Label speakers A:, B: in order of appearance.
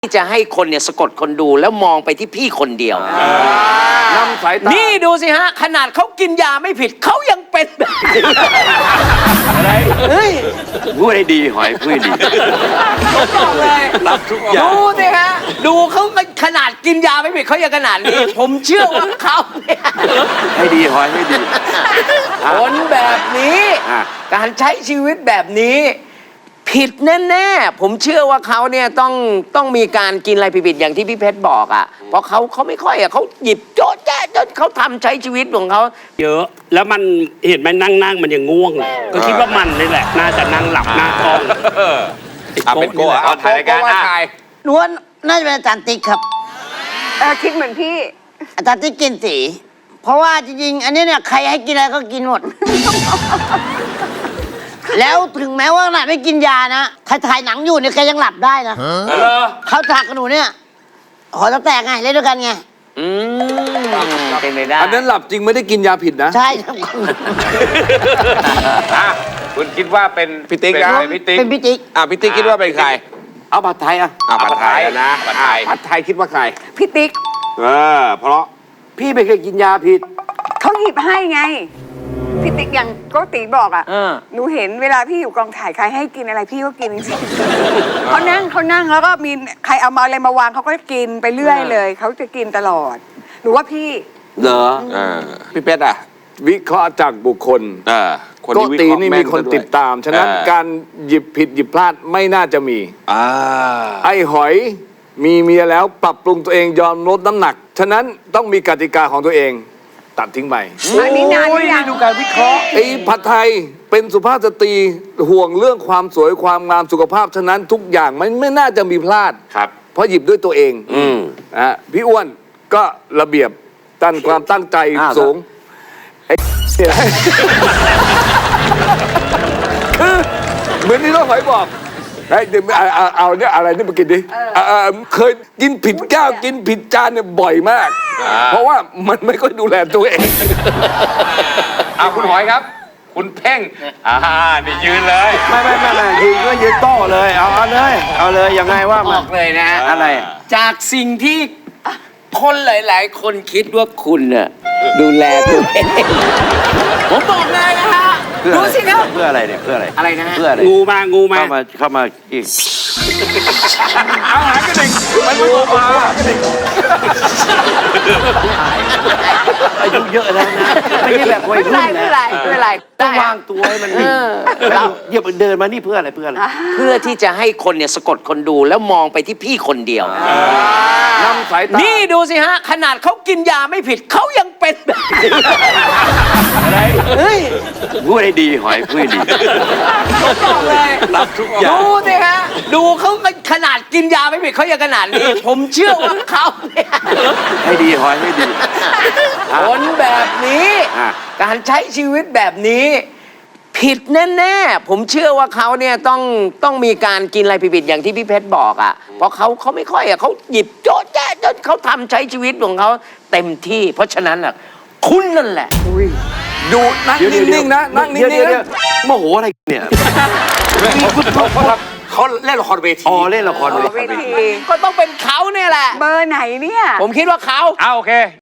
A: ที่จะให้คนเนี่ยสะกดคนดูแล้วมองไปที่พี่คนเดียวน
B: ำสายตา
A: นี่ดูสิฮะขนาดเขากินยาไม่ผิดเขายังเป็นแบบนี้อะไรเฮ้ย
C: พูดให้ดีหอยพูดให้ดี
A: บอกเลย
C: รับทุกอย่าง
A: ดูสิฮะดูเขาขนาดกินยาไม่ผิดเขายังขนาดนี้ผมเชื่อว่าเขาเนี่ย
C: ให้ดีหอยให้ดี
A: คนแบบนี้การใช้ชีวิตแบบนี้ผิดแน่ๆผมเชื่อว่าเขาเนี่ยต้องมีการกินอะไรผิดๆอย่างที่พี่เพชรบอกอ่ะเพราะเขาไม่ค่อยอ่ะเขาหยิบโจ๊ะแจ๊ะจนเขาทำใช้ชีวิตของเขา
D: เยอะแล้วมันเห็นไหมนั่งมันยังง่วงเลยก็คิดว่ามันนี่แหละน่าจะนั่งหลับหน้ากล้อง
C: เป็นโก้เอาถ่ายรายการ
E: นวลน่าจะเป็นอาจารย์ติ๊กครับ
F: คิดเหมือนพี่
E: อาจารย์ติ๊กกินสีเพราะว่าจริงๆอันนี้เนี่ยใครให้กินอะไรก็กินหมด แล้วถึงแม้ว่าขนาดไม่กินยานะใครถ่ายหนังอยู่เนี่ยแกยังหลับได้นะเขาฉากกับหนูเนี่ยขอจะแตกไงเล่นด้วยกันไง
A: เป็นไปได้
B: อันนั้นหลับจริงไม่ได้กินยาผิดนะ
E: ใช่ครับ
C: คุณคิดว่าเป็นพี่ติ๊กนะ
E: เป็นพี่ติ๊ก
C: พี่ติ๊กคิดว่าเป็นใคร
B: เอาผัดไทย
C: ผัดไทยนะผัดไทยคิดว่าใคร
F: พี่ติ๊ก
C: เพราะ
B: พี่ไม่เคยกินยาผิด
F: เขาหยิบให้ไงพี่ติ๊กอย่างโกติบอกอ่ะหนูเห็นเวลาพี่อยู่กองถ่ายใครให้กินอะไรพี่ก็กินจริงๆเขานั่งแล้วก็มีใครเอามาอะไรมาวางเขาก็กินไปเรื่อยเลยเขาจะกินตลอดหนูว่าพี่
B: เหรอพี่เป็ดวิเคราะห์จากบุคคลโกตินี่มีคนติดตามฉะนั้นการหยิบผิดหยิบพลาดไม่น่าจะมีไอ้หอยมีเมียแล้วปรับปรุงตัวเองยอมลดน้ำหนักฉะนั้นต้องมีกติกาของตัวเองตัดทิ้งไป
F: อันนี้นานหรือยัง
B: ดูการวิเคราะห์ไอ้ผัดไทยเป็นสุภาพสตรีห่วงเรื่องความสวยความงามสุขภาพฉะนั้นทุกอย่างมันไม่น่าจะมีพลาด
C: ครับ
B: เพราะหยิบด้วยตัวเองพี่อ้วนก็ระเบียบตั้งความตั้งใจสูงคือเหมือนที่น้องหอยบอกเดี๋ยวเอาเนี่ยอะไรนี่มากินดิเคยกินผิดแก้วกินผิดจานเนี่ยบ่อยมากเพราะว่ามันไม่ค่อยดูแลตัวเอง
C: คุณหอยครับคุณเพ่งนี่ยืนเลย
B: ไม่ยืนก็ยืนโต้เลยเอาเลยยังไงว่า
A: บอกเลยนะอะไรจากสิ่งที่คนหลายๆคนคิดว่าคุณน่ะดูแลตัวเองผมบอกเลยนะฮะดูสิครับ
C: เพื่ออะไรเนี่ยเพื่ออะไร
A: นะ
C: เพื่ออะไร
D: งูมา
C: เข้ามาอีก
B: เอาหากระดิ่งมันงูมา
C: อายุเยอะแล้วนะไม่ใช่แบบวัยรุ่นนะ
A: ไม่เป็นไร
C: ต้องวางตัวให้มันเดินมานี่เพื่ออะไรเพื่
A: อที่จะให้คนเนี่ยสะกดคนดูแล้วมองไปที่พี่คนเดียวน
B: ำสายตา
A: นี่ดูสิฮะขนาดเขากินยาไม่ผิดเขายังเป็นแบบนี้
C: อะไรเฮ้ยพูดให้ดีหอยพูดให้ดี
A: บอกเลย
C: รับทุกอย่าง
A: ดูสิฮะดูเขาขนาดกินยาไม่ผิดเขายังขนาดนี้ผมเชื่อว่าเขาเนี่ย
C: ให้ดีหอยให้ดี
A: คนแบบนี้การใช้ชีวิตแบบนี้ผิดแน่ๆผมเชื่อว่าเขาเนี่ยต้องมีการกินอะไรผิดๆอย่างที่พี่เพชรบอกอ่ะเพราะเขาไม่ค่อยอ่ะเขาหยิบโจ๊ะแจ๊ะจนเขาทำใช้ชีวิตของเขาเต็มที่เพราะฉะนั้นอ่ะคุณนั่นแหละ
B: ดูนั่งนิ่งๆนะนั่งนิ่ง
C: ๆโมโหอะไรเนี่ยเขาเล่นละครเวทีเล่นละครเวที
A: ก็ต้องเป็นเขาเนี่ยแหละ
F: เบอร์ไหนเนี่ย
A: ผมคิดว่าเขา
C: โอเค